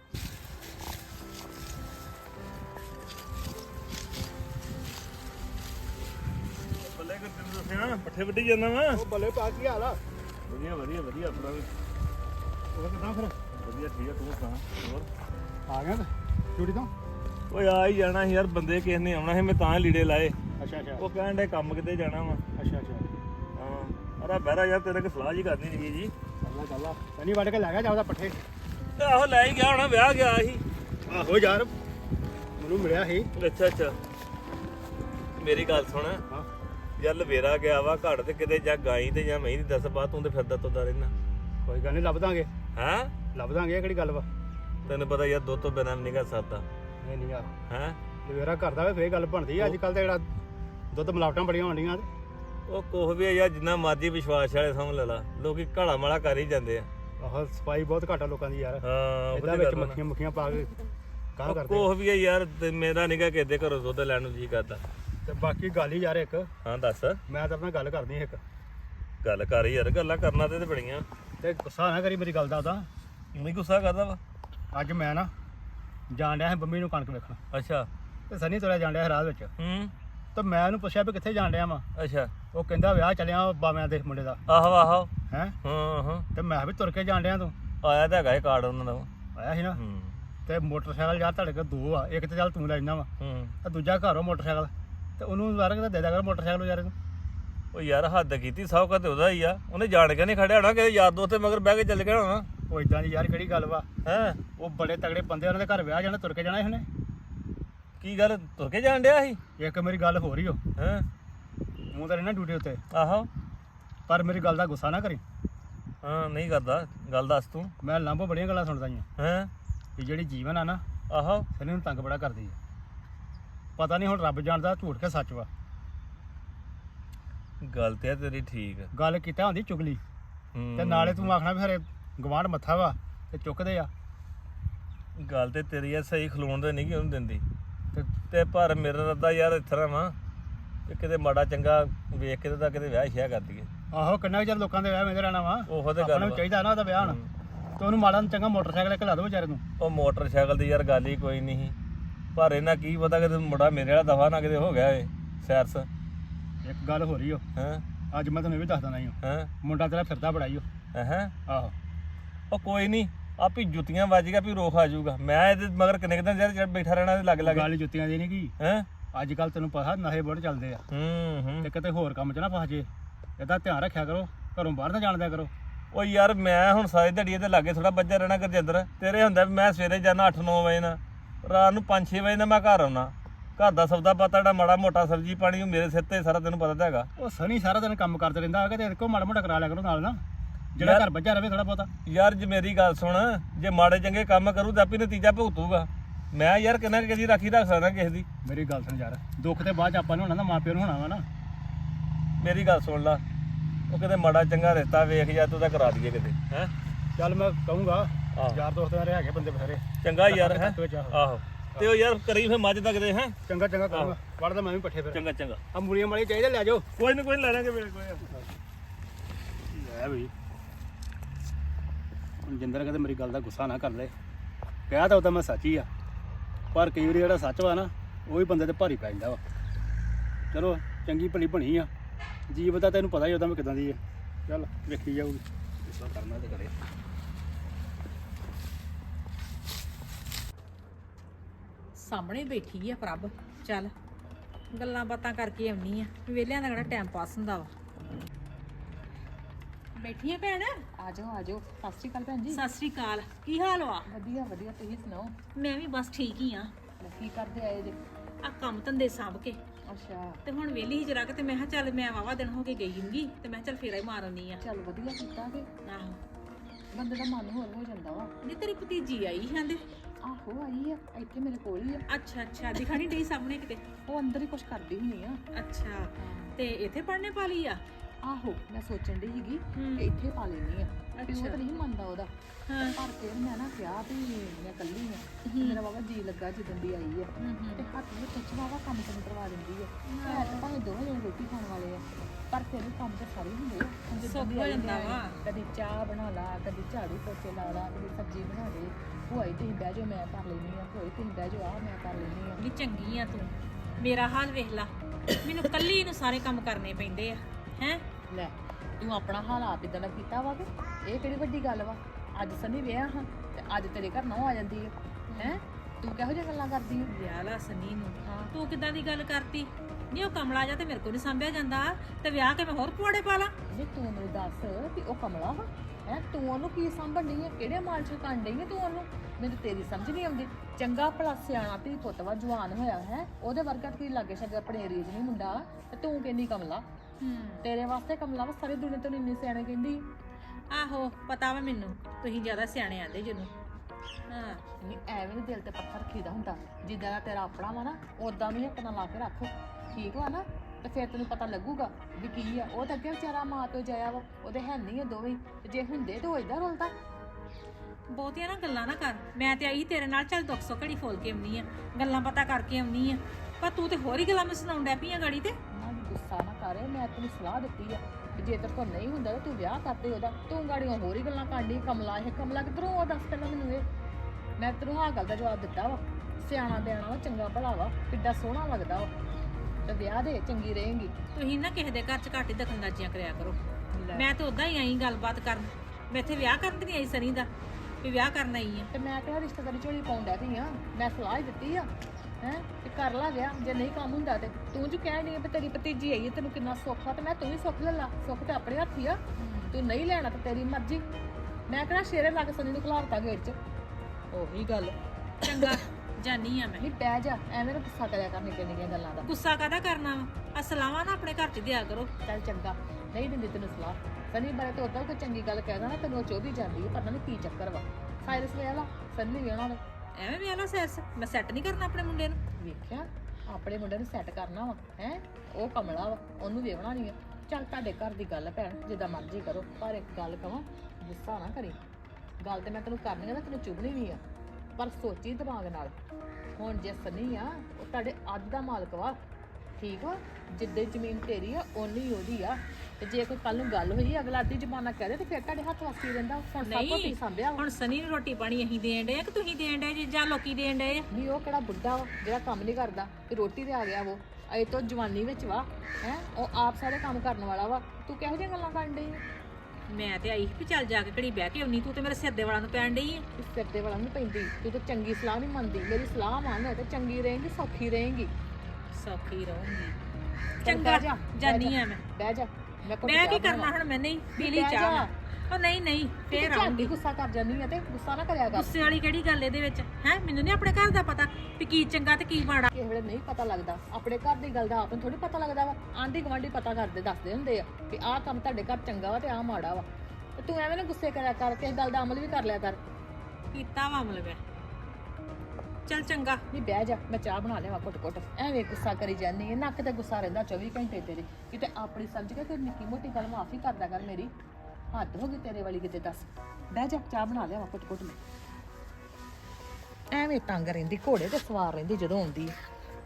ਬੱਲੇ ਕਰ ਤੈਨੂੰ ਦੱਸਿਆ ਪੱਠੇ ਵੱਢੀ ਜਾਂਦਾ ਵਾ। ਉਹ ਬੱਲੇ ਪਾ ਕੀ ਹਾਲ ਆ? ਵਧੀਆ ਵਧੀਆ ਵਧੀਆ ਆਪਣਾ ਵੀ ਉਹ ਕਿਦਾਂ ਫਿਰ ਵਧੀਆ ਠੀਕ ਆ, ਤੂੰ ਸੁਣਾ ਹੋਰ? ਆ ਗਿਆ ਡਿਊਟੀ ਤੋਂ? ਓਏ ਆ ਹੀ ਜਾਣਾ ਸੀ ਯਾਰ, ਬੰਦੇ ਕਿਸ ਨੇ ਆਉਣਾ ਸੀ, ਮੈਂ ਤਾਂ ਲੀੜੇ ਲਾਏ। ਅੱਛਾ ਅੱਛਾ ਉਹ ਕਹਿਣ ਡੇ ਕੰਮ ਕਿਤੇ ਜਾਣਾ ਵਾ। ਅੱਛਾ ਅੱਛਾ ਹਾਂ ਅਰੇ ਬਹਿਰਾ ਯਾਰ, ਤੇਰੇ ਕੋ ਸਲਾਹ ਜੀ ਕਰਨੀ ਸੀ ਜੀ। ਅੱਲਾ ਗੱਲਾ ਸਨੀ ਵੱਢ ਕੇ ਲੈ ਗਿਆ ਜਾਉਦਾ ਪੱਠੇ। ਤੇ ਆਹੋ ਲੈ ਹੀ ਗਿਆ ਹੋਣਾ, ਵਿਆਹ ਗਿਆ ਸੀ। ਆਹੋ ਯਾਰ ਮੈਨੂੰ ਮਿਲਿਆ ਸੀ। ਅੱਛਾ ਅੱਛਾ ਮੇਰੀ ਗੱਲ ਸੁਣ ਹਾਂ ਯਾਰ, ਲਵੇਰਾ ਗਿਆ ਵਾ ਘੜ ਤੇ ਕਿਤੇ ਜਾਂ ਗਾਈ ਤੇ ਜਾਂ ਮੈਂ ਨਹੀਂ ਦੱਸ ਬਾਤ, ਤੂੰ ਤੇ ਫਿਰਦਾ ਤੁਰਦਾ ਰਹਿਣਾ। ਕੋਈ ਗੱਲ ਨਹੀਂ ਲੱਭ ਦਾਂਗੇ ਹੈਂ ਲੱਭ ਦਾਂਗੇ। ਇਹ ਕਿਹੜੀ ਗੱਲ ਵਾ? ਤੈਨੂੰ ਪਤਾ ਯਾਰ ਦੁੱਧ ਤੋਂ ਬਿਨਾਂ ਨਹੀਂ ਗਾ ਸਰਦਾ। ਨਹੀਂ ਨਹੀਂ ਯਾਰ ਹੈਂ ਲਵੇਰਾ ਕਰਦਾ ਵੇ ਫੇਰ ਗੱਲ ਬਣਦੀ ਆ। ਅੱਜ ਕੱਲ ਤੇ ਜਿਹੜਾ ਦੁੱਧ ਮਿਲਾਵਟਾਂ ਬੜੀਆਂ ਹੋਣੀਆਂ। ਉਹ ਕੋਹ ਵੀ ਆ ਯਾਰ, ਜਿੰਨਾ ਮਰਜ਼ੀ ਵਿਸ਼ਵਾਸ ਵਾਲੇ ਸਮਝ ਲੈ ਲਾ, ਲੋਕੀ ਘਾਲਾ ਮਾਲਾ ਕਰ ਹੀ ਜਾਂਦੇ ਆ। ਆਹ ਸਫਾਈ ਬਹੁਤ ਘੱਟ ਆ ਲੋਕਾਂ ਦੀ ਯਾਰ। ਹਾਂ ਇਹਦਾ ਵਿੱਚ ਮੱਖੀਆਂ ਮੁੱਖੀਆਂ ਪਾ ਕੇ ਕਾਹ ਕਰਦੇ। ਕੋਹ ਵੀ ਆ ਯਾਰ, ਤੇ ਮੇਰਾ ਨਿਗਾ ਕਿਤੇ ਘਰੋਂ ਦੁੱਧ ਲੈਣ ਨੂੰ ਜੀ ਕਰਦਾ। ਤੇ ਬਾਕੀ ਗੱਲ ਹੀ ਯਾਰ ਇੱਕ, ਹਾਂ ਦੱਸ। ਮੈਂ ਤਾਂ ਆਪਣਾ ਗੱਲ ਕਰਨੀ ਇੱਕ। ਗੱਲ ਕਰ ਯਾਰ, ਗੱਲਾਂ ਕਰਨਾ ਤੇ ਤੇ ਬੜੀਆਂ। ਤੇ ਗੁੱਸਾ ਨਾ ਕਰੀ ਮੇਰੀ ਗੱਲ ਦਾ। ਉਹਦਾ ਨਹੀਂ ਗੁੱਸਾ ਕਰਦਾ ਵਾ। ਅੱਜ ਮੈਂ ਨਾ ਜਾਣ ਡਿਆ ਸੀ ਬੰਬੀ ਨੂੰ ਕਣਕ ਵੇਖਣ, ਅੱਛਾ ਤੇ ਸਨੀ ਤੁਰਿਆ ਜਾਣ ਡਿਆ ਸੀ ਰਾਹ ਵਿੱਚ। ਹੂੰ ਤੇ ਮੈਂ ਉਹਨੂੰ ਪੁੱਛਿਆ ਵੀ ਕਿੱਥੇ ਜਾਣ ਡਿਆ ਵਾਂ। ਅੱਛਾ ਉਹ ਕਹਿੰਦਾ ਵਿਆਹ ਚੱਲਿਆ ਬਾਵਿਆਂ ਦੇ ਮੁੰਡੇ ਦਾ। ਆਹੋ ਆਹੋ ਹੈ ਹਾਂ ਹਾਂ ਤੇ ਮੈਂ ਵੀ ਤੁਰ ਕੇ ਜਾਣ ਡਿਆ। ਤੂੰ ਆਇਆ ਤਾਂ ਹੈਗਾ ਇਹ ਕਾਰਡ ਉਹਨਾਂ ਦਾ। ਆਇਆ ਸੀ ਨਾ। ਹੂੰ ਤੇ ਮੋਟਰਸਾਈਕਲ ਯਾਰ ਤੁਹਾਡੇ ਕੋਲ ਦੋ ਆ, ਇੱਕ ਤੇ ਚੱਲ ਤੂੰ ਲੈ ਜਾਂਦਾ ਵਾ, ਹੂੰ ਤੇ ਦੂਜਾ ਘਰੋਂ ਮੋਟਰਸਾਈਕਲ। ਤੇ ਉਹਨੂੰ ਯਾਰ ਕਹਿੰਦਾ ਦੇ ਦਿਆ ਕਰ ਮੋਟਰਸਾਈਕਲ ਯਾਰ ਨੂੰ। ਉਹ ਯਾਰ ਹੱਦ ਕੀਤੀ, ਸੌ ਕਦੇ ਉਹਦਾ ਹੀ ਆ। ਉਹਨੇ ਜਾਣ ਕੇ ਨਹੀਂ ਖੜਿਆ ਹੋਣਾ, ਕਿਤੇ ਯਾਰ ਦੋਸਤ ਮਗਰ ਬਹਿ ਕੇ ਚੱਲ ਗਿਆ ਹੋਣਾ। ਉਹ ਇਦਾਂ ਦੀ ਯਾਰ ਕਿਹੜੀ ਗੱਲ ਵਾ? ਹੈਂ ਉਹ ਬੜੇ ਤਗੜੇ ਬੰਦੇ, ਉਹਨਾਂ ਦੇ ਘਰ ਵਿਆਹ ਜਾਣਾ, ਤੁਰ ਕੇ ਜਾਣਾ ਸੀ ਉਹਨੇ। ਕੀ ਗੱਲ ਤੁਰ ਕੇ ਜਾਣ ਡਿਆ ਸੀ? ਇੱਕ ਮੇਰੀ ਗੱਲ ਹੋ ਰਹੀ ਹੋ, ਹੈਂ ਮੂੰਹ ਤਾਂ ਰਹਿਣਾ ਡਿਊਟੀ ਉੱਤੇ, ਆਹੋ ਪਰ ਮੇਰੀ ਗੱਲ ਦਾ ਗੁੱਸਾ ਨਾ ਕਰੀ। ਹਾਂ ਨਹੀਂ ਕਰਦਾ, ਗੱਲ ਦੱਸ ਤੂੰ। ਮੈਂ ਲਾਂਭੋ ਬੜੀਆਂ ਗੱਲਾਂ ਸੁਣਦਾ ਹੀ ਆ ਹੈਂ ਵੀ ਜਿਹੜੀ ਜੀਵਨ ਆ ਨਾ, ਆਹੋ ਸਨੀ ਨੂੰ ਤੰਗ ਬੜਾ ਕਰਦੀ ਆ। ਪਤਾ ਨਹੀਂ ਹੁਣ ਰੱਬ ਜਾਣਦਾ ਝੂਠ ਕੇ ਸੱਚ ਵਾ। ਗੱਲ ਤੇ ਆ ਤੇਰੀ ਠੀਕ। ਗੱਲ ਕੀਤਾ ਹੁੰਦੀ ਚੁਗਲੀ, ਹੂੰ ਤੇ ਨਾਲੇ ਤੂੰ ਆਖਣਾ ਵੀ ਹਰੇ ਗਵਾਂਢ ਮੱਥਾ ਵਾ ਤੇ ਚੁੱਕਦੇ ਆ। ਗੱਲ ਤੇ ਤੇਰੀ ਆ, ਸਹੀ ਖਲੋਣ ਦੇ ਨਹੀਂ ਕਿ ਉਹਨੂੰ ਦਿੰਦੀ। ਤੇ ਤੇ ਪਰ ਮੇਰਾ ਰੱਦਾ ਯਾਰ ਇਸ ਤਰ੍ਹਾਂ ਵਾ ਕਿ ਕਿਤੇ ਮਾੜਾ ਚੰਗਾ ਵੇਖ ਕੇ ਤਾਂ ਕਿਤੇ ਵਿਆਹ ਸ਼ਿਆ ਕਰ ਦਈਏ। ਆਹੋ ਕਿੰਨਾ ਕੁ ਚਿਰ ਲੋਕਾਂ ਦੇ ਵਿਆਹ ਵੇਂਦੇ ਰਹਿਣਾ ਵਾ। ਉਹੋ ਤੇ ਆਪਾਂ ਗੱਲ ਨੂੰ ਵਾ। ਚਾਹੀਦਾ ਨਾ ਉਹਦਾ ਵਿਆਹ ਹੁਣ। ਤੇ ਉਹਨੂੰ ਮਾੜਾ ਚੰਗਾ ਮੋਟਰਸਾਈਕਲ ਇੱਕ ਲਾ ਦੋ ਵਿਚਾਰੇ ਨੂੰ। ਉਹ ਮੋਟਰਸਾਈਕਲ ਦੀ ਯਾਰ ਗੱਲ ਹੀ ਕੋਈ ਨਹੀਂ ਸੀ, ਪਰ ਇਹਨਾਂ ਕੀ ਪਤਾ ਕਿ ਮੁੰਡਾ ਮੇਰੇ ਵਾਲਾ ਦਫਾ ਨਾ ਕਿਤੇ ਹੋ ਗਿਆ ਏ ਸੈਰਸ। ਇੱਕ ਗੱਲ ਹੋ ਰਹੀ ਓ, ਹੈਂ ਅੱਜ ਮੈਂ ਤੈਨੂੰ ਇਹ ਵੀ ਦੱਸਦਾ ਨਹੀਂ ਹੈਂ ਮੁੰਡਾ ਤੇਰਾ ਫਿਰਦਾ ਬੜਾ ਈ ਓ। ਹੈਂ ਆਹੋ ਉਹ ਕੋਈ ਨਹੀਂ, ਆਪੀ ਜੁੱਤੀਆਂ ਵੱਜ ਗਿਆ ਵੀ ਰੋਖ ਆ ਜਾਊਗਾ। ਮੈਂ ਇਹਦੇ ਮਗਰ ਕਿੰਨੇ ਕੁ ਦਿਨ ਯਾਰ ਬੈਠਾ ਰਹਿਣਾ ਇਹਦੇ ਲੱਗ ਲੱਗ। ਗੱਲ ਜੁੱਤੀਆਂ ਦੀ ਨਹੀਂ ਕੀ, ਹੈਂ ਅੱਜ ਕੱਲ ਤੈਨੂੰ ਪਤਾ ਨਸ਼ੇ ਬਹੁਤ ਚੱਲਦੇ ਆ। ਹੂੰ ਹੂੰ ਤੇ ਕਿਤੇ ਹੋਰ ਕੰਮ 'ਚ ਨਾ ਫਸ ਜੇ, ਇਹਦਾ ਧਿਆਨ ਰੱਖਿਆ ਕਰੋ, ਘਰੋਂ ਬਾਹਰ ਨਾ ਜਾਣ ਦਿਆ ਕਰੋ। ਉਹ ਯਾਰ ਮੈਂ ਹੁਣ ਸਾਰੀ ਦਿਹਾੜੀ ਇਹਦੇ ਲਾਗੇ ਥੋੜਾ ਬੱਜਾ ਰਹਿਣਾ ਗੁਰਜਿੰਦਰ। ਤੇਰੇ ਹੁੰਦਾ ਵੀ ਮੈਂ ਸਵੇਰੇ ਜਾਣਾ ਅੱਠ ਨੌ ਵਜੇ ਨਾਲ, ਰਾਤ ਨੂੰ ਪੰਜ ਛੇ ਵਜੇ ਨਾਲ ਮੈਂ ਘਰ ਆਉਣਾ। ਘਰ ਦਾ ਸੌਦਾ ਪਤਾ ਜਿਹੜਾ ਮਾੜਾ ਮੋਟਾ ਸਬਜ਼ੀ ਪਾਣੀ ਉਹ ਮੇਰੇ ਸਿਰ ਤੇ ਸਾਰਾ ਤੈਨੂੰ ਪਤਾ ਤਾਂ ਹੈਗਾ। ਉਹ ਸਨੀ ਸਾਰਾ ਦਿਨ ਕੰਮ ਕਰਦਾ ਰਹਿੰਦਾ ਹੈਗਾ, ਤੇ ਇਹਦੇ ਕੋਲ ਮਾੜਾ ਮੋਟਾ ਕਰਾ ਲਿਆ ਕਰੋ ਨਾਲ ਨਾ, ਜਿਹੜਾ ਘਰ ਬੱਜਾ ਰਵੇ ਥੋੜਾ ਬਹੁਤਾ। ਯਾਰ ਜੇ ਮੇਰੀ ਗੱਲ ਸੁਣ, ਜੇ ਮਾੜੇ ਚੰਗੇ ਕੰਮ ਕਰੂ ਤਾਂ ਆਪੇ ਨਤੀਜਾ ਭੁਗਤੂਗਾ। ਮੈਂ ਯਾਰ ਕਿੰਨਾ ਕਿਸੇ ਦੀ ਰਾਖੀ ਰੱਖ ਸਕਦਾ ਕਿਸੇ ਦੀ? ਮੇਰੀ ਗੱਲ ਸੁਣ ਯਾਰ, ਦੁੱਖ ਤੇ ਬਾਅਦ 'ਚ ਆਪਾਂ ਨੂੰ ਹੋਣਾ ਨਾ, ਮਾਂ ਪਿਓ ਨੂੰ ਹੋਣਾ ਵਾ ਨਾ। ਮੇਰੀ ਗੱਲ ਸੁਣ ਲਾ, ਉਹ ਕਿਤੇ ਮਾੜਾ ਚੰਗਾ ਰਿਸ਼ਤਾ ਵੇਖ ਜਾ ਤੂੰ ਤਾਂ ਕਰਾ ਦਈਏ ਕਿਤੇ। ਹੈਂ ਚੱਲ ਮੈਂ ਕਹੂੰਗਾ, ਆਹੋ। ਯਾਰ ਦੋਸਤ ਮੇਰੇ ਹੈਗੇ ਬੰਦੇ ਬਥੇਰੇ। ਚੰਗਾ ਯਾਰ ਹੈ। ਵਿੱਚ ਆਹੋ। ਆਹੋ ਤੇ ਉਹ ਯਾਰ ਕਰੀ ਫਿਰ ਮੱਝ ਤੱਕ ਦੇ। ਹੈਂ ਚੰਗਾ ਚੰਗਾ ਕਹੂੰਗਾ, ਵੜਦਾ ਮੈਂ ਵੀ ਪੱਠੇ ਫਿਰ। ਚੰਗਾ ਚੰਗਾ ਆ ਮੂਲੀਆਂ ਮਾਲੀਆਂ ਚਾਹੀਦੇ ਲੈ ਜਾਓ। ਕੋਈ ਨਾ ਕੋਈ ਨੀ ਲੈ ਲਾਂਗੇ ਮੇਰੇ ਕੋਲ। ਲੈ ਬਈ ਹੁਣ ਜਿੰਦਰ ਕਹਿੰਦੇ ਮੇਰੀ ਗੱਲ ਦਾ ਗੁੱਸਾ ਨਾ ਕਰ ਲੈ, ਕਿਹਾ ਤਾਂ ਉਹਦਾ ਮੈਂ ਸੱਚ ਹੀ ਆ, ਪਰ ਕਈ ਵਾਰੀ ਜਿਹੜਾ ਸੱਚ ਵਾ ਨਾ ਉਹ ਵੀ ਬੰਦੇ ਤੇ ਭਾਰੀ ਪੈ ਜਾਂਦਾ ਵਾ। ਚਲੋ ਚੰਗੀ ਭਲੀ ਬਣੀ ਆ, ਜੀਵ ਦਾ ਤੈਨੂੰ ਪਤਾ ਹੀ ਉਹਦਾ ਮੈਂ ਕਿਦਾਂ ਦੀ ਆ। ਚੱਲ ਵੇਖੀ ਜਾਊਗੀ ਕਿਸਾ ਕਰਨਾ ਤੇ ਕਰੇ। ਸਾਹਮਣੇ ਬੈਠੀ ਆ ਪ੍ਰਭ, ਚੱਲ ਗੱਲਾਂ ਬਾਤਾਂ ਕਰਕੇ ਆਉਣੀ ਆ। ਵਿਹਲਿਆਂ ਦਾ ਕਿਹੜਾ ਟਾਈਮ ਪਾਸ ਹੁੰਦਾ ਵਾ। ਬੈਠੀ ਆ ਭੈਣ? ਆ ਜਾਓ ਆ ਜਾਓ। ਸਤਿ ਸ਼੍ਰੀ ਅਕਾਲ ਭੈਣ ਜੀ। ਸਤਿ ਸ੍ਰੀ ਅਕਾਲ, ਕੀ ਹਾਲ ਵਾ? ਵਧੀਆ ਵਧੀਆ, ਤੁਸੀਂ ਸੁਣਾਓ? ਮੈਂ ਵੀ ਬਸ ਠੀਕ ਹੀ ਆ। ਕੀ ਕਰਦੇ ਆਏ ਜੇ? ਆ ਕੰਮ ਧੰਦੇ ਸਾਂਭ ਕੇ ਅੱਛਾ ਤੇ ਹੁਣ ਵਿਹਲੀ ਹੀ ਜਰਾ ਕਿ ਤੇ ਮੈਂ ਕਿਹਾ ਚੱਲ ਮੈਂ ਵਾਵਾ ਦਿਨ ਹੋ ਕੇ ਗਈ ਹੁੰਗੀ ਤੇ ਮੈਂ ਕਿਹਾ ਚੱਲ ਫੇਰਾ ਹੀ ਮਾਰਨੀ ਆ। ਚੱਲ ਵਧੀਆ ਕੀਤਾ ਕਿ ਆਹੋ ਬੰਦੇ ਦਾ ਮਨ ਹੋਰ ਹੋ ਜਾਂਦਾ ਵਾ। ਨਹੀਂ ਤੇਰੀ ਭਤੀਜੀ ਆਈ ਕਹਿੰਦੇ? ਆਹੋ ਆਈ ਆ, ਇੱਥੇ ਮੇਰੇ ਕੋਲ ਹੀ ਆ। ਅੱਛਾ ਅੱਛਾ, ਦਿਖਾਣੀ ਡਈ ਸਾਹਮਣੇ ਕਿਤੇ? ਉਹ ਅੰਦਰ ਹੀ ਕੁਝ ਕਰਦੀ ਹੁੰਦੀ ਆ। ਅੱਛਾ, ਤੇ ਇੱਥੇ ਪੜ੍ਹਨੇ ਪਾ ਲਈ ਆ? ਆਹੋ ਮੈਂ ਸੋਚਣ ਡਈ ਸੀਗੀ ਹੂੰ। ਕਿ ਇੱਥੇ ਪਾ ਲੈਣੀ ਆ, ਤੇ ਉਹ ਅੱਛਾ। ਤਾਂ ਨਹੀਂ ਮੰਨਦਾ ਉਹਦਾ। ਹਾਂ। ਪਰ ਫਿਰ ਮੈਂ ਨਾ ਕਿਹਾ ਵੀ ਮੈਂ ਇਕੱਲੀ ਆ, ਹੂੰ। ਮੇਰਾ ਬਾਬਾ ਜੀ ਲੱਗਾ ਜਦੋਂ ਦੀ ਆਈ ਆ, ਹੂੰ ਹੂੰ। ਤੇ ਹੱਥ ਵਿੱਚ ਸੱਚ ਵਾਵਾ ਕੰਮ ਕੰਮ ਕਰਵਾ ਦਿੰਦੀ ਆ। ਹੈ ਤਾਂ ਭਾਵੇਂ ਦੋਵੇਂ ਜਣੇ ਰੋਟੀ ਖਾਣ ਵਾਲੇ ਆ ਪਰ ਫਿਰ ਵੀ ਕੰਮ ਤਾਂ ਸਾਰੇ ਹੁੰਦੇ ਆ ਹੁਣ ਜਿੱਦਾਂ ਸੁੱਖ ਦੀ ਹੋ ਆਈ ਜਾਂਦਾ ਹੈ, ਵਾ। ਕਦੀ ਚਾਹ ਬਣਾ ਲਾ ਕਦੀ ਝਾੜੂ ਪੋਚੇ ਲਾ ਲਾ ਕਦੀ ਸਬਜ਼ੀ ਬਣਾ ਦੇ ਭੂਆਈ ਤੁਸੀਂ ਬਹਿ ਜਾਓ ਮੈਂ ਕਰ ਲੈਣੀ ਆ ਭੂਆਈ ਤੁਸੀਂ ਬਹਿ ਜਾਓ ਆ ਮੈਂ ਕਰ ਲੈਣੀ ਆ ਵੀ ਚੰਗੀ ਆ ਤੂੰ ਮੇਰਾ ਹਾਲ ਵੇਖ ਲਾ ਮੈਨੂੰ ਕੱਲੀ ਨੂੰ ਸਾਰੇ ਕੰਮ ਕਰਨੇ ਪੈਂਦੇ ਆ ਹੈ ਲੈ ਤੂੰ ਆਪਣਾ ਹਾਲ ਆਪ ਇਦਾਂ ਦਾ ਕੀਤਾ ਵਾ ਕਿ ਇਹ ਕਿਹੜੀ ਵੱਡੀ ਗੱਲ ਵਾ ਅੱਜ ਸਨੀ ਵਿਆਹ ਹਾਂ ਤੇ ਅੱਜ ਤੇਰੇ ਘਰ ਨਹੁੰ ਆ ਜਾਂਦੀ ਹੈ ਹੈ ਤੂੰ ਕਿਹੋ ਜਿਹੀਆਂ ਗੱਲਾਂ ਕਰਦੀ ਹੈ ਵਿਆਹ ਲਾ ਸਨੀ ਨੂੰ ਹਾਂ। ਤੂੰ ਕਿਦਾਂ ਦੀ ਗੱਲ ਕਰਤੀ ਨਹੀਂ ਉਹ ਕਮਲਾ ਜਾ ਤੇ ਮੇਰੇ ਕੋਲ ਨਹੀਂ ਸੰਭਿਆ ਜਾਂਦਾ ਤੇ ਵਿਆਹ ਕੇ ਮੈਂ ਹੋਰ ਪੁਆੜੇ ਪਾ ਲਾਂ ਜੇ ਤੂੰ ਮੈਨੂੰ ਦੱਸ ਵੀ ਉਹ ਕਮਲਾ ਵਾ ਹੈ ਤੂੰ ਉਹਨੂੰ ਕੀ ਸੰਭਣ ਡਈ ਹੈ ਕਿਹੜੇ ਮਾਲ ਚ ਕੰਨ ਡਈ ਹੈ ਤੂੰ ਉਹਨੂੰ ਮੈਨੂੰ ਤੇਰੀ ਸਮਝ ਨਹੀਂ ਆਉਂਦੀ ਚੰਗਾ ਭਲਾ ਸਿਆਣਾ ਤੇ ਪੁੱਤ ਵਾ ਜਵਾਨ ਹੋਇਆ ਹੈ ਉਹਦੇ ਵਰਗਾ ਕੀ ਲੱਗੇ ਸ਼ਾਇਦ ਆਪਣੇ ਏਰੀਏ 'ਚ ਨਹੀਂ ਮੁੰਡਾ ਤੇ ਤੂੰ ਕਹਿੰਦੀ ਕਮਲਾ ਹੂੰ ਤੇਰੇ ਵਾਸਤੇ ਕਮਲਾ ਵਾ ਸਾਰੀ ਦੁਨੀਆ ਤੋਂ ਇੰਨੀ ਸਿਆਣੇ ਕਹਿੰਦੀ ਆਹੋ ਪਤਾ ਵਾ ਮੈਨੂੰ ਤੁਸੀਂ ਜ਼ਿਆਦਾ ਸਿਆਣੇ ਆਂਦੇ ਜਿਹਨੂੰ ਹਾਂ ਨਹੀਂ ਐਵੇਂ ਨੀ ਦਿਲ ਤੇ ਪੱਥਰ ਰੱਖੀਦਾ ਹੁੰਦਾ ਜਿੱਦਾਂ ਦਾ ਤੇਰਾ ਆਪਣਾ ਵਾ ਨਾ ਉਦਾਂ ਨੂੰ ਆਪਣਾ ਲਾ ਕੇ ਰੱਖ ਠੀਕ ਵਾ ਨਾ ਤੇ ਫਿਰ ਤੈਨੂੰ ਪਤਾ ਲੱਗੂਗਾ ਵੀ ਕੀ ਆ ਉਹ ਤਾਂ ਅੱਗੇ ਵਿਚਾਰਾ ਮਾਂ ਪਿਓ ਜਾਇਆ ਵਾ ਉਹਦੇ ਹੈ ਨਹੀਂ ਆ ਦੋਵੇਂ ਤੇ ਜੇ ਹੁੰਦੇ ਤੇ ਉਹ ਏਦਾਂ ਰੁਲਦਾ ਬਹੁਤੀਆਂ ਨਾ ਗੱਲਾਂ ਨਾ ਕਰ ਮੈਂ ਤੇ ਆਈ ਤੇਰੇ ਨਾਲ ਚੱਲ ਦੁੱਖ ਸੌ ਘੜੀ ਫੋਲ ਕੇ ਆਉਣੀ ਆ ਗੱਲਾਂ ਪਤਾ ਕਰਕੇ ਆਉਣੀ ਆ ਪਰ ਤੂੰ ਤੇ ਹੋਰ ਹੀ ਗੱਲਾਂ ਮੈਂ ਸੁਣਾਉਣ ਡੈ ਪਈ ਆ ਗਾੜੀ ਤੇ ਨਾ ਗੁੱਸਾ ਨਾ ਕਰ ਮੈਂ ਤੈਨੂੰ ਸਲਾਹ ਦਿੱਤੀ ਆ ਕਿ ਜੇ ਤੇਰੇ ਕੋਲ ਨਹੀਂ ਹੁੰਦਾ ਤਾਂ ਤੂੰ ਵਿਆਹ ਕਰਦੇ ਉਹਦਾ ਤੂੰ ਗਾੜੀਆਂ ਹੋਰ ਹੀ ਗੱਲਾਂ ਕਰਦੀ ਕਮਲਾ ਇਹ ਕਮਲਾ ਕਿੱਧਰੋਂ ਉਹ ਦੱਸ ਪਹਿਲਾਂ ਮੈਨੂੰ ਇਹ ਮੈਂ ਤੈਨੂੰ ਆਹ ਗੱਲ ਦਾ ਜਵਾਬ ਦਿੱਤਾ ਵਾ ਸਿਆਣਾ ਬਿਆਣਾ ਵਾ ਚੰਗਾ ਭਲਾ ਵਾ ਕਿੱਡਾ ਸੋਹਣਾ ਲੱਗਦਾ ਵਾ ਤੇ ਵਿਆਹ ਦੇ ਚੰਗੀ ਰਹੇਂਗੀ ਤੁਸੀਂ ਨਾ ਕਿਸੇ ਦੇ ਘਰ ਚ ਘੱਟ ਹੀ ਦਖਲਅੰਦਾਜ਼ੀਆਂ ਕਰਿਆ ਕਰੋ ਲੈ। ਮੈਂ ਤੇ ਉਦਾਂ ਹੀ ਆਈ ਗੱਲਬਾਤ ਕਰਨ ਮੈਂ ਇੱਥੇ ਵਿਆਹ ਕਰਨ ਤੇ ਨਹੀਂ ਆਈ ਸਨੀ ਦਾ ਵੀ ਵਿਆਹ ਕਰਨ ਆਈ ਆ ਤੇ ਮੈਂ ਕਿਹਾ ਰਿਸ਼ਤੇਦਾਰੀ ਝੋਲੀ ਪਾਉਣ ਡੈ ਪਈ ਆ ਮੈਂ ਸਲਾਹ ਹੀ ਦਿੱਤੀ ਆ ਹੈ ਤੇ ਕਰ ਲਾ ਵਿਆਹ ਜੇ ਨਹੀਂ ਕੰਮ ਹੁੰਦਾ ਤੇ ਤੂੰ ਜੋ ਕਹਿਣ ਡਈ ਆ ਵੀ ਤੇਰੀ ਭਤੀਜੀ ਆਈ ਆ ਤੈਨੂੰ ਕਿੰਨਾ ਸੁੱਖ ਆ ਤੇ ਮੈਂ ਤੂੰ ਵੀ ਸੁੱਖ ਲੈ ਲਾ ਸੁੱਖ ਤੇ ਆਪਣੇ ਹੱਥੀ ਆ ਤੂੰ ਨਹੀਂ ਲੈਣਾ ਤੇ ਤੇਰੀ ਮਰਜ਼ੀ ਮੈਂ ਕਿਹੜਾ ਸ਼ੇਰੇ ਲੱਗ ਸਨੀ ਨੂੰ ਖਿਲਾਰਤਾ ਗੇਟ 'ਚ ਉਹੀ ਗੱਲ ਚੰਗਾ ਜਾਨੀ ਆ ਮੈਂ ਨਹੀਂ ਬਹਿ ਜਾ ਐਵੇਂ ਨਾ ਗੁੱਸਾ ਕਰਿਆ ਕਰ ਨਿੱਕੀਆਂ ਨਿੱਕੀਆਂ ਗੱਲਾਂ ਦਾ ਗੁੱਸਾ ਕਾਹਦਾ ਕਰਨਾ ਵਾ ਆ ਸਲਾਵਾਂ ਨਾ ਆਪਣੇ ਘਰ ਚ ਦਿਆ ਕਰੋ ਚੱਲ ਚੰਗਾ ਨਹੀਂ ਦਿੰਦੀ ਤੈਨੂੰ ਸਲਾਹ ਸਨੀ ਬਾਰੇ ਤਾਂ ਉਦਾਂ ਕੋਈ ਚੰਗੀ ਗੱਲ ਕਹਿਦਾ ਨਾ ਤੈਨੂੰ ਉਹ ਚੋਦੀ ਜਾਂਦੀ ਹੈ ਪਤਾ ਨਹੀਂ ਕੀ ਚੱਕਰ ਵਾ ਸਾਇਰਸ ਵੇਖ ਲਾ ਸਨੀ ਵਿਆਹਣਾ ਵਾ ਐਵੇਂ ਵਿਆਹ ਲਾ ਸੈਰਸ ਮੈਂ ਸੈੱਟ ਨਹੀਂ ਕਰਨਾ ਆਪਣੇ ਮੁੰਡੇ ਨੂੰ ਵੇਖਿਆ ਆਪਣੇ ਮੁੰਡੇ ਨੂੰ ਸੈੱਟ ਕਰਨਾ ਵਾ ਹੈ ਉਹ ਕਮਲਾ ਵਾ ਉਹਨੂੰ ਵੇਖਣਾ ਨਹੀਂ ਆ ਚੱਲ ਤੁਹਾਡੇ ਘਰ ਦੀ ਗੱਲ ਭੈਣ ਜਿੱਦਾਂ ਮਰਜ਼ੀ ਕਰੋ ਪਰ ਇੱਕ ਗੱਲ ਕਵਾਂ ਗੁੱਸਾ ਨਾ ਕਰੀ ਗੱਲ ਤੇ ਮੈਂ ਤੈਨੂੰ ਕਰਨੀ ਆ ਨਾ ਤੈਨੂੰ ਚੁਭਣੀ ਵੀ ਆ ਪਰ ਸੋਚੀ ਦਿਮਾਗ ਨਾਲ ਹੁਣ ਜੇ ਸਨੀ ਆ ਉਹ ਤੁਹਾਡੇ ਅੱਜ ਦਾ ਮਾਲਕ ਵਾ ਠੀਕ ਵਾ ਜਿੱਦੇ ਜ਼ਮੀਨ ਤੇਰੀ ਆ ਓਨੀ ਉਹਦੀ ਆ ਤੇ ਜੇ ਕੋਈ ਕੱਲ ਨੂੰ ਗੱਲ ਹੋਈ ਅਗਲਾ ਅੱਧੀ ਜ਼ਮਾਨਾ ਕਹਦੇ ਤੇ ਫਿਰ ਤੁਹਾਡੇ ਹੱਥ ਵਸੀ ਰਹਿੰਦਾ ਹੁਣ ਸਭ ਕੁਝ ਨਹੀਂ ਹੀ ਸੰਭਿਆ ਵਾ ਹੁਣ ਸਨੀ ਨੂੰ ਰੋਟੀ ਪਾਣੀ ਅਸੀਂ ਦੇਣ ਡਏ ਆ ਕਿ ਤੁਸੀਂ ਦੇਣ ਡਏ ਜੇ ਜਾਂ ਲੋਕੀ ਦੇਣ ਡਏ ਆ ਨਹੀਂ ਉਹ ਕਿਹੜਾ ਬੁੱਢਾ ਵਾ ਜਿਹੜਾ ਕੰਮ ਨਹੀਂ ਕਰਦਾ ਤੇ ਰੋਟੀ ਤੇ ਆ ਗਿਆ ਉਹ ਅਜੇ ਤੋਂ ਜਵਾਨੀ ਵਿੱਚ ਵਾ ਹੈ ਉਹ ਆਪ ਸਾਰੇ ਕੰਮ ਕਰਨ ਵਾਲਾ ਵਾ ਤੂੰ ਕਿਹੋ ਜਿਹੀਆਂ ਗੱਲਾਂ ਕਰਨ ਡਈ ਮੈਂ ਤੇ ਆਈ ਸੀ ਵੀ ਚੱਲ ਜਾ ਕੇ ਘੜੀ ਬਹਿ ਕੇ ਆਉਣੀ ਤੂੰ ਤੇ ਮੇਰੇ ਸਿਰ ਦੇ ਵਾਲਾਂ ਨੂੰ ਪੈਣ ਡਈ ਆ ਇਸ ਸਿਰ ਦੇ ਵਾਲਾ ਨਹੀਂ ਪੈਂਦੀ ਤੂੰ ਤਾਂ ਚੰਗੀ ਸਲਾਹ ਨਹੀਂ ਮੰਨਦੀ ਮੇਰੀ ਸਲਾਹ ਮੰਨ ਤੇ ਚੰਗੀ ਰਹੇਂਗੀ ਸੌਖੀ ਰਹੇਂਗੀ ਸੌਖੀ ਰਹੂੰਗੀ ਚੱਲ ਚੰਗਾ ਬਹਿ ਜਾ, ਜਾਨੀ ਬਹਿ ਆ ਮੈਂ ਬਹਿ ਜਾ ਮੈਂ ਕੁਝ ਮੈਂ ਕੀ ਕਰਨਾ ਹੁਣ ਮੈਂ ਨਹੀਂ ਪੀ ਲਈ ਬਹਿ ਚਾਹ ਜਾ। ਮੈਂ। ਉਹ ਨਹੀਂ ਨਹੀਂ ਫੇਰ ਆਉਂਦੀ ਆਉਂਗੀ ਗੁੱਸਾ ਕਰ ਜਾਂਦੀ ਆ ਤੇ ਗੁੱਸਾ ਨਾ ਕਰਿਆ ਕਰ ਗੁੱਸੇ ਵਾਲੀ ਕਿਹੜੀ ਗੱਲ ਇਹਦੇ ਵਿੱਚ ਹੈ ਮੈਨੂੰ ਨਹੀਂ ਆਪਣੇ ਘਰ ਦਾ ਪਤਾ ਵੀ ਕੀ ਚੰਗਾ ਤੇ ਕੀ ਮਾੜਾ ਕਿਸੇ ਵੇਲੇ ਨਹੀਂ ਪਤਾ ਲੱਗਦਾ ਆਪਣੇ ਘਰ ਦੀ ਗੱਲ ਦਾ ਆਪ ਨੂੰ ਥੋੜੀ ਪਤਾ ਲੱਗਦਾ ਵਾ ਆਂਢੀ ਗੁਆਂਢੀ ਪਤਾ ਕਰਦੇ ਦੱਸਦੇ ਹੁੰਦੇ ਆ ਕਿ ਆਹ ਕੰਮ ਤੁਹਾਡੇ ਘਰ ਚੰਗਾ ਵਾ ਤੇ ਆਹ ਮਾੜਾ ਵਾ ਤੇ ਤੂੰ ਐਵੇਂ ਨਾ ਗੁੱਸੇ ਕਰਿਆ ਕਰ ਕਿਸੇ ਗੱਲ ਦਾ ਅਮਲ ਵੀ ਕਰ ਲਿਆ ਕਰ ਕੀਤਾ ਵਾ ਅਮਲ ਮੈਂ ਚੱਲ ਚੰਗਾ ਨਹੀਂ ਬਹਿ ਜਾ ਮੈਂ ਚਾਹ ਬਣਾ ਲਿਆ ਘੁੱਟ ਘੁੱਟ ਐਵੇਂ ਗੁੱਸਾ ਕਰੀ ਜਾਂਦੀ ਹੈ ਨੱਕ ਤੇ ਗੁੱਸਾ ਰਹਿੰਦਾ ਚੌਵੀ ਘੰਟੇ ਤੇਰੇ ਕਿਤੇ ਆਪਣੀ ਸਮਝ ਕੇ ਕੋਈ ਨਿੱਕੀ ਮੋਟੀ ਗੱਲ ਮਾਫੀ ਕਰਦਾ ਕਰ ਮੇਰੀ ਹੱਦ ਹੋ ਗਈ ਤੇਰੇ ਵਾਲੀ ਕਿਤੇ ਦੱਸ ਬਹਿ ਜਾ ਚਾਹ ਬਣਾ ਲਿਆ ਘੁੱਟ ਘੁੱਟ ਮੈਂ ਐਵੇਂ ਤੰਗ ਰਹਿੰਦੀ ਘੋੜੇ ਤੇ ਸਵਾਰ ਰਹਿੰਦੀ ਜਦੋਂ ਆਉਂਦੀ ਹੈ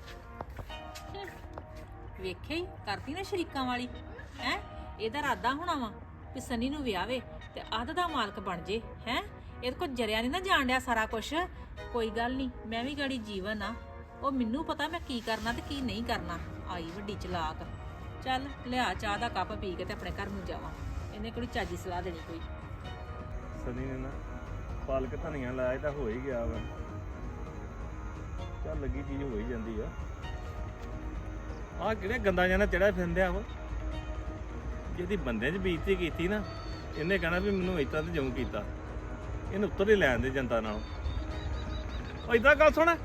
ਵੇਖਿਆ ਹੀ ਕਰਤੀ ਨਾ ਸ਼ਰੀਕਾਂ ਵਾਲੀ ਹੈ ਇਹਦਾ ਇਰਾਦਾ ਹੋਣਾ ਵਾ ਕਿ ਸਨੀ ਨੂੰ ਵਿਆਹਵੇ ਤੇ ਅੱਧ ਦਾ ਮਾਲਕ ਬਣ ਜੇ ਹੈ ਇਹਦੇ ਕੋਲ ਜਰਿਆ ਨਹੀਂ ਨਾ ਜਾਣ ਡਿਆ ਸਾਰਾ ਕੁਝ ਕੋਈ ਗੱਲ ਨਹੀਂ ਮੈਂ ਵੀ ਗਾੜੀ ਜੀਵਨ ਆ ਉਹ ਮੈਨੂੰ ਪਤਾ ਮੈਂ ਕੀ ਕਰਨਾ ਤੇ ਕੀ ਨਹੀਂ ਕਰਨਾ ਆਈ ਵੱਡੀ ਚਲਾਕ ਚੱਲ ਲਿਆ ਚਾਹ ਦਾ ਕੱਪ ਪੀ ਕੇ ਤੇ ਆਪਣੇ ਘਰ ਨੂੰ ਜਾਵਾਂ ਇਹਨੇ ਕੋਈ ਚਾਜੀ ਸਲਾਹ ਦੇਣੀ ਕੋਈ ਸਨੀ ਨੇ ਨਾ ਪਾਲਕ ਧਨੀਆ ਲਾਇਆ ਤਾਂ ਹੋ ਹੀ ਗਿਆ ਵਾ ਚੱਲ ਲੱਗੀ ਚੀਜ਼ ਹੋ ਹੀ ਜਾਂਦੀ ਆ ਆਹ ਕਿਹੜੇ ਗੰਦਾ ਜਾਨਾ ਚੜਿਆ ਫਿਰਦਿਆ ਵਾ ਜਿਹਦੀ ਬੰਦਿਆਂ 'ਚ ਬੇਇੱਜ਼ਤੀ ਕੀਤੀ ਨਾ ਇਹਨੇ ਕਹਿਣਾ ਵੀ ਮੈਨੂੰ ਇਦਾਂ ਤੇ ਜਉਂ ਕੀਤਾ ਇਹਨੂੰ ਉੱਤਰ ਹੀ ਲੈਣ ਦੇ ਜਨਤਾ ਨਾਲ ਉਹ ਇਦਾਂ ਗੱਲ ਸੁਣ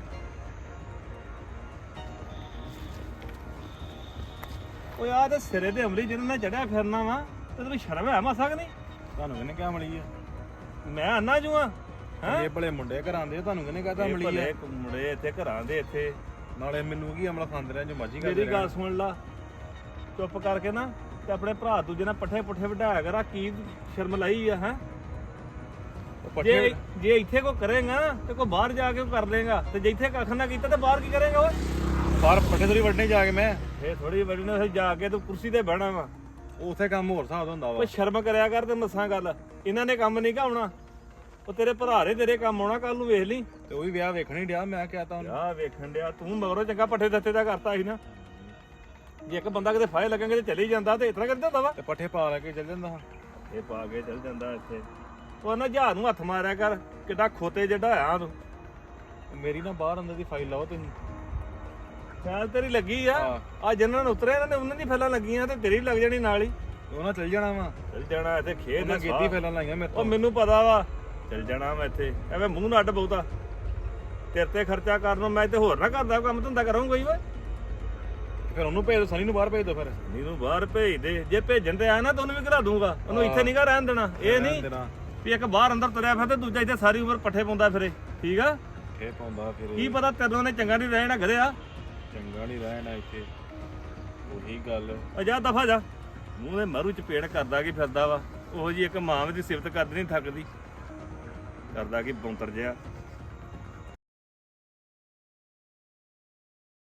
ਓਏ ਆ ਤੇ ਸਿਰੇ ਦੇ ਅਮਲੀ ਜਿਹਨਾਂ ਨਾਲ ਚੜਿਆ ਫਿਰਨਾ ਵਾ ਤੇ ਤੈਨੂੰ ਸ਼ਰਮ ਹੈ ਮਾਸਾ ਕਿ ਨਹੀਂ ਤੁਹਾਨੂੰ ਕਿਹਨੇ ਕਿਹਾ ਮਲੀ ਆ ਮੈਂ ਅੰਨਾ ਜੂ ਆ ਇਹ ਭਲੇ ਮੁੰਡੇ ਘਰਾਂ ਦੇ ਤੁਹਾਨੂੰ ਕਿਹਨੇ ਕਹਤਾ ਇਹ ਮਲੀ ਆ ਭਲੇ ਮੁੰਡੇ ਇੱਥੇ ਘਰਾਂ ਦੇ ਇੱਥੇ ਨਾਲੇ ਮੈਨੂੰ ਕੀ ਅਮਲਾ ਖਾਂਦੇ ਰਹਿ ਜੋ ਮਰਜੀ ਕਰਦੇ ਮੇਰੀ ਗੱਲ ਸੁਣ ਲਾ ਚੁੱਪ ਕਰਕੇ ਨਾ ਤੇ ਆਪਣੇ ਭਰਾ ਦੂਜੇ ਨਾਲ ਪੱਠੇ ਪੁੱਠੇ ਵਢਾਇਆ ਕਰ ਆ ਕੀ ਸ਼ਰਮ ਲਾਈ ਆ ਹੈ ਜੇ ਜੇ ਇੱਥੇ ਕੋ ਕਰੇਗਾ ਤੇ ਕੋ ਬਾਹਰ ਜਾ ਕੇ ਕਰ ਲੇਗਾ ਤੇ ਜੇ ਇੱਥੇ ਕੱਖ ਨਾ ਕੀਤਾ ਤੇ ਬਾਹਰ ਕੀ ਕਰੇਗਾ ਓਏ ਬਾਹਰ ਪੱਠੇ ਥੋੜੀ ਵੱਢਣੇ ਜਾ ਕੇ ਮੈਂ ਇਹ ਥੋੜੀ ਬੜੀ ਨਾ ਜਾ ਕੇ ਤੂੰ ਕੁਰਸੀ ਤੇ ਬਹਿਣਾ ਵਾ ਉਥੇ ਕੰਮ ਹੋਰ ਹਿਸਾਬ ਦਾ ਹੁੰਦਾ ਵਾ ਕੋਈ ਸ਼ਰਮ ਕਰਿਆ ਕਰ ਤੇ ਮੱਸਾਂ ਗੱਲ ਇਹਨਾਂ ਨੇ ਕੰਮ ਨਹੀਂ ਆਉਣਾ ਉਹ ਤੇਰੇ ਭਰਾ ਦੇ ਤੇਰੇ ਕੰਮ ਆਉਣਾ ਕੱਲ ਨੂੰ ਵੇਖ ਲਈ ਤੇ ਉਹ ਵੀ ਵਿਆਹ ਵੇਖਣ ਹੀ ਡਿਆ ਮੈਂ ਕਿਹਾ ਤਾਂ ਉਹਨੂੰ ਯਾ ਵੇਖਣ ਡਿਆ ਤੂੰ ਮਗਰੋਂ ਚੰਗਾ ਪੱਠੇ ਦੱਤੇ ਦਾ ਕਰਤਾ ਸੀ ਨਾ ਜੇ ਇੱਕ ਬੰਦਾ ਕਿਤੇ ਫਾਇ ਲੱਗਾਂਗੇ ਤੇ ਚਲੇ ਹੀ ਜਾਂਦਾ ਤੇ ਇਤਨਾ ਕਰਦਾ ਹੁੰਦਾ ਵਾ ਤੇ ਪੱਠੇ ਪਾ ਲੈ ਕੇ ਚੱਲ ਜਾਂਦਾ ਇਹ ਪਾ ਕੇ ਚੱਲ ਜਾਂਦਾ ਇੱਥੇ ਉਹ ਨਾ ਜਹਾਜ਼ ਨੂੰ ਹੱਥ ਮਾਰਿਆ ਕਰ ਕਿੱਡਾ ਖੋਤੇ ਜਿਹੜਾ ਆ ਤੂੰ ਮੇਰੀ ਨਾ ਬਾਹਰ ਅੰਦਰ ਦੀ ਫਾਈਲ ਲਾਓ ਤੁਸੀਂ ਖਿਆਲ ਤੇਰੀ ਲੱਗੀ ਆ ਹਾਂ। ਆ ਜਿੰਨਾਂ ਨੂੰ ਉਤਰੇ ਇਹਨਾਂ ਨੇ ਉਹਨਾਂ ਦੀ ਫੈਲਾਂ ਲੱਗੀਆਂ ਤੇ ਤੇਰੀ ਲੱਗ ਜਾਣੀ ਨਾਲ ਹੀ ਉਹ ਨਾ ਚੱਲ ਜਾਣਾ ਵਾ ਚੱਲ ਜਾਣਾ ਇੱਥੇ ਖੇਡ ਉਹਨਾਂ ਨਾ ਗੇਤੀ ਫੈਲਾਂ ਲਾਈਆਂ ਮੇਰੇ ਉਹ ਤੋਂ ਮੈਨੂੰ ਪਤਾ ਵਾ ਚੱਲ ਜਾਣਾ ਮੈਂ ਇੱਥੇ ਐਵੇਂ ਮੂੰਹ ਨਾ ਅੱਡ ਬਹੁਤਾ ਤੇਰੇ ਤੇ ਖਰਚਾ ਕਰਨ ਨੂੰ ਮੈਂ ਤੇ ਹੋਰ ਨਾ ਕਰਦਾ ਕੰਮ ਧੰਦਾ ਕਰਾਂਗਾ ਹੀ ਓਏ ਫਿਰ ਉਹਨੂੰ ਭੇਜ ਦੋ ਸਨੀ ਨੂੰ ਬਾਹਰ ਭੇਜ ਦੋ ਫਿਰ ਨੀਨੂੰ ਬਾਹਰ ਭੇਜ ਦੇ ਜੇ ਭੇਜਣ ਤੇ ਆਇਆ ਨਾ ਤਾਂ ਉਹਨੂੰ ਵੀ ਘਲਾ ਦੂੰਗਾ ਉਹਨੂੰ ਇੱਥੇ ਨਹੀਂਗਾ ਰਹਿਣ ਦੇਣਾ ਇਹ ਨਹੀਂ ਦੇਣਾ ਵੀ ਇੱਕ ਬਾਹਰ ਅੰਦਰ ਤੁਰਿਆ ਫਿਰ ਤੇ ਦੂਜਾ ਇੱਥੇ ਸਾਰੀ ਉਮਰ ਪੱਠੇ ਪਾਉਂਦਾ ਫਿਰੇ ਠੀਕ ਆ ਫੇ ਪਾਉਂਦਾ ਫਿਰ ਕੀ ਪਤਾ ਤੈਨੂੰ ਨੇ ਚੰਗਾ ਨਹੀਂ ਰਹਿਣਾ ਘਰਿਆ ਚੰਗਾ ਨਹੀਂ ਰਹਿਣਾ ਇੱਥੇ ਉਹੀ ਗੱਲ ਆ ਜਾ ਦਫਾ ਜਾ ਮੂੰਹ ਦੇ ਮਾਰੂ ਚਪੇੜ ਕਰਦਾ ਕੀ ਫਿਰਦਾ ਵਾ ਉਹੋ ਜੀ ਇੱਕ ਮਾਂ ਦੀ ਸਿਫਤ ਕਰਦੀ ਨਹੀਂ ਥੱਕਦੀ ਕਰਦਾ ਕੀ ਬੌਂਤਰ ਜਿਆ